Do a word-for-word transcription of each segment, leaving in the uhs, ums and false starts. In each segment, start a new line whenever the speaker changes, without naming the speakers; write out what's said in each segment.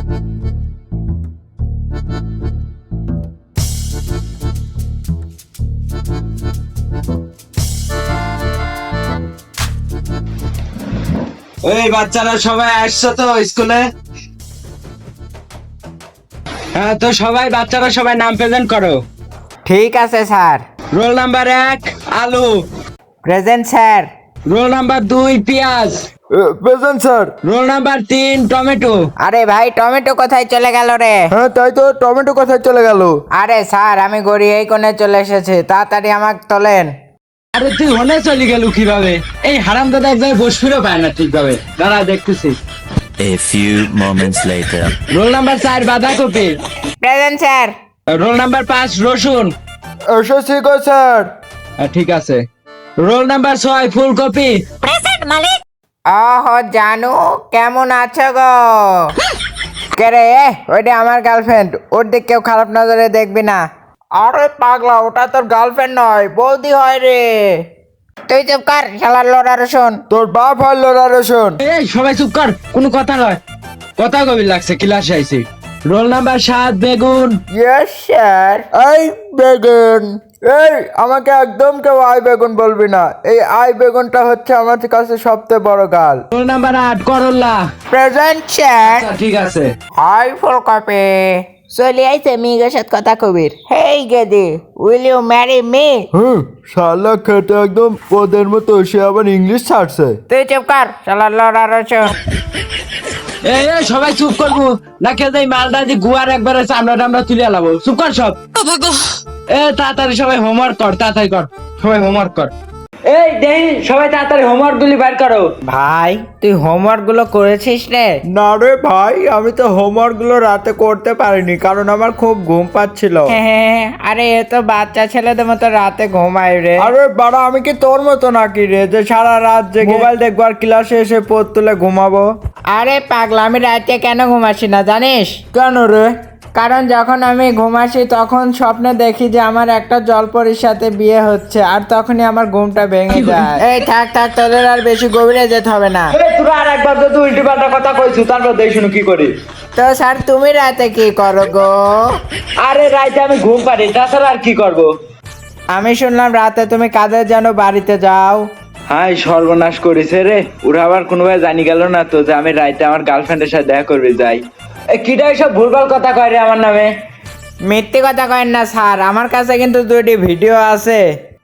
এই বাচ্চারা সবাই আসছো তো স্কুলে? হ্যাঁ, তো সবাই বাচ্চারা সবাই নাম প্রেজেন্ট করো।
ঠিক আছে স্যার।
রোল নাম্বার এক আলু।
Present sir.
রোল নাম্বার দুই পেঁয়াজ।
Present sir.
রোল নাম্বার তিন টমেটো।
আরে ভাই, টমেটো কোথায় চলে গেল রে?
হ্যাঁ তাই তো, টমেটো কোথায় চলে গেল?
আরে স্যার, আমি গড়ি এই কোণে চলে এসেছি, তাড়াতাড়ি আমাকে তোলেন।
আরে তুই হনে চলে গেল কিভাবে? এই হারাম দাদা এক জায়গায় বসফিরও পায় না ঠিকভাবে। দাঁড়া দেখতেছি।
A few moments later.
Roll number চার বাঁধাকপি।
Present sir.
রোল নাম্বার পাঁচ রসুন।
এসেছি গো স্যার।
হ্যাঁ, ঠিক আছে। রোল নাম্বার ছয় ফুলকপি।
ওহ জানু, কেমন আছো গো? কে রে? ওইটা আমার গার্লফ্রেন্ড, ওর দিক কেউ খারাপ নজরে দেখবি না। আরে পাগলা, ওটা তোর গার্লফ্রেন্ড নয়, বৌদি হয় রে। তুই চুপ কর, শালার লোড়া রসুন।
তোর বাপ হয় লোরা রসুন।
এই সবাই চুপ কর, কোনো কথা নয়। কথা গভীর লাগছে, ক্লাসে আইছি। রোল নাম্বার সাত বেগুন।
Yes sir.
এই বেগুন, এই আমাকে একদম কেউ আই বেগুন বলবি না। এই আই বেগুনটা হচ্ছে আমার কাছে সবচেয়ে বড় গাল।
রোল নাম্বার আট করল্লা।
Present sir.
আচ্ছা, ঠিক আছে।
হাই ফুলকপি। চলে আইছে মেয়ের সাথে কথা কবির। হেই গেদি, উইল ইউ ম্যারি মি?
হুম, শালা খেতে একদম ওদের মতো, সে আবার ইংলিশ ছাড়ছে।
তুই চুপ কর, শালার লোড়া রসুন।
এই এই, সবাই চুপ করবো না কে যাই মালটা দিয়ে গুয়ার একবারে চামড়া টামড়া তুলে আলাবো। চুপ কর সব। এ তাড়াতাড়ি সবাই হোমওয়ার্ক কর, তাড়াতাড়ি কর, সবাই হোমওয়ার্ক কর। এই দেই সবাই তাড়াতাড়ি হোমওয়ার্ক গুলি বের করো।
ভাই, তুই হোমওয়ার্ক গুলো করেছিস রে?
না রে ভাই, আমি তো হোমওয়ার্ক গুলো রাতে করতে পারিনি, কারণ আমার খুব ঘুম পাচ্ছিল।
হ্যাঁ, আরে এ তো বাচ্চা ছেলেদের মতো রাতে ঘুমায় রে।
আরে বাড়া, আমি কি তোর মতো নাকি রে যে সারা রাত জেগে মোবাইল দেখবো আর ক্লাসে এসে পড় তুলে ঘুমাবো?
আরে পাগলা, আমি রাতে কেন ঘুমাসি না জানিস?
কেন রে?
কারণ যখন আমি ঘুমাসি তখন স্বপ্নে দেখি যে আমার একটা জলপরীর সাথে বিয়ে হচ্ছে, আর তখনই আমার ঘুমটা ভেঙে যায়। এই থাক থাক, তোদের আর বেশি গভীরে যেতে হবে না।
এই তোরা আর একবার যদি উল্টো পাল্টা কথা কইছু তারপর দেখ শুনো কি করি।
তো স্যার, তুমি রাতে কি করো গো?
আরে রাইতে আমি ঘুম পারি, তাছাড়া আর কি করব?
আমি শুনলাম রাতে তুমি কাদের যেন বাড়িতে যাও।
হাই সর্বনাশ করেছে রে, ওরা আবার কোনোভাবে জানি গেল না তো যে আমি রাইতে আমার গার্লফ্রেন্ডের সাথে দেখা করবে যাই। এই কিটা সব ভুলভাল কথা কয় রে আমার নামে।
মিথ্যে কথা কয়েন না স্যার, আমার কাছে কিন্তু দুইটি ভিডিও আছে।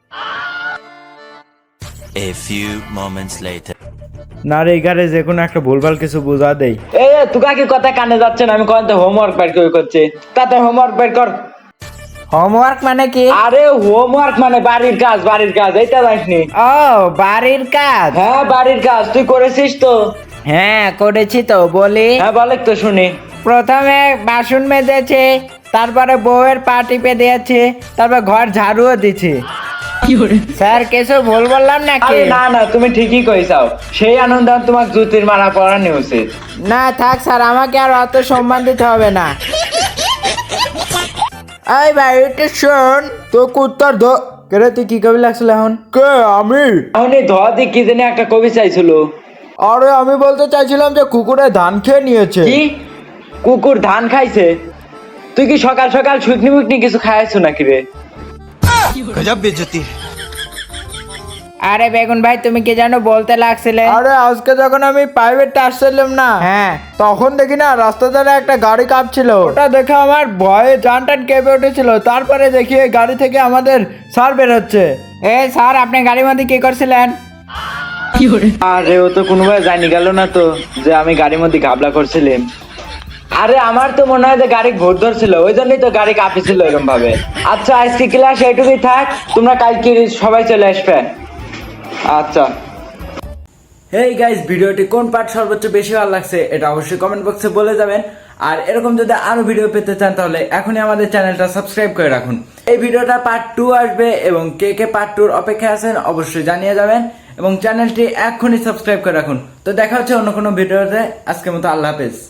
A few moments later.
না রে, এখানে যে কোনো একটা ভুলভাল কিছু বোঝা দেই।
এই তুই কি কথা কানে যাচ্ছে না? আমি কোন তো হোমওয়ার্ক বের করে করছি, তাতে হোমওয়ার্ক বের কর।
হোমওয়ার্ক মানে কি?
আরে হোমওয়ার্ক মানে বাড়ির কাজ, বাড়ির কাজ, এইটা জানিসনি?
ও, বাড়ির কাজ।
হ্যাঁ বাড়ির কাজ, তুই করেছিস তো?
হ্যাঁ করেছি তো, বলি।
হ্যাঁ বলে তো শুনি।
প্রথমে বাসন মেজেছে, তারপরে বউয়ের পা টিপে দিয়েছে, তারপর ঘর ঝাড়ুও দিচ্ছে। স্যার কিছু ভুল বললাম নাকি?
আরে না না, তুমি ঠিকই কইছাও। সেই আনন্দ তোমার জুতির মারা পড়ানো উচিত।
না থাক স্যার, আমাকে আর অত সম্মান দিতে হবে না। এই ভাই, এটা শোন।
তো কুত্তার ধ কেরে, তুই কি কবি লাগছিল এখন? কে আমি?
আমি ধোয়াদি কি জানি একটা কবি চাইছিল।
আরে আমি বলতে চাইছিলাম যে কুকুরে ধান খেয়ে নিয়েছে।
কি কুকুর ধান খাইছে? তুই কি সকাল সকাল শুকনি মুকনি কিছু খাইছো নাকি রে?
गजब बेइज्जती।
আরে বেগুন ভাই, তুমি কি জানো বলতে লাগছিলে?
আরে আজকে যখন আমি প্রাইভেটে আসছিলাম না,
হ্যাঁ,
তখন দেখি না রাস্তা ধারে একটা গাড়ি কাঁপছিল। ওটা দেখে আমার ভয়ে জান টান কেঁপে উঠেছিল। তারপরে দেখি এই গাড়ি থেকে আমাদের স্যার বেরোচ্ছে।
এ স্যার, আপনি গাড়ির মধ্যে কি করছিলেন?
আরে ও তো কোনোভাবে জানি গেল না তো যে আমি গাড়ির মধ্যে ঘাবলা করছিলাম। আরে আমার তো মনে হয় যে গাড়ি ঘোর ধরছিল, ওই জন্যই তো গাড়ি কাঁপিছিল এরকম ভাবে। আচ্ছা আজকে ক্লাস এইটুকুই থাক, তোমরা কালকে সবাই চলে আসবে। আচ্ছা।
হেই গাইস, ভিডিওটি কোন পার্ট সর্বোচ্চ বেশি ভালো লাগছে এটা অবশ্যই কমেন্ট বক্সে বলে যাবেন। আর এরকম যদি আরো ভিডিও পেতে চান তাহলে এখনই আমাদের চ্যানেলটা সাবস্ক্রাইব করে রাখুন। এই ভিডিওটা পার্ট টু আসবে এবং কে কে পার্ট টুর অপেক্ষায় আছেন অবশ্যই জানিয়ে যাবেন এবং চ্যানেলটি এখনই সাবস্ক্রাইব করে রাখুন। তো দেখা হচ্ছে অন্য কোনো ভিডিওতে। আজকের মতো আল্লাহ হাফেজ।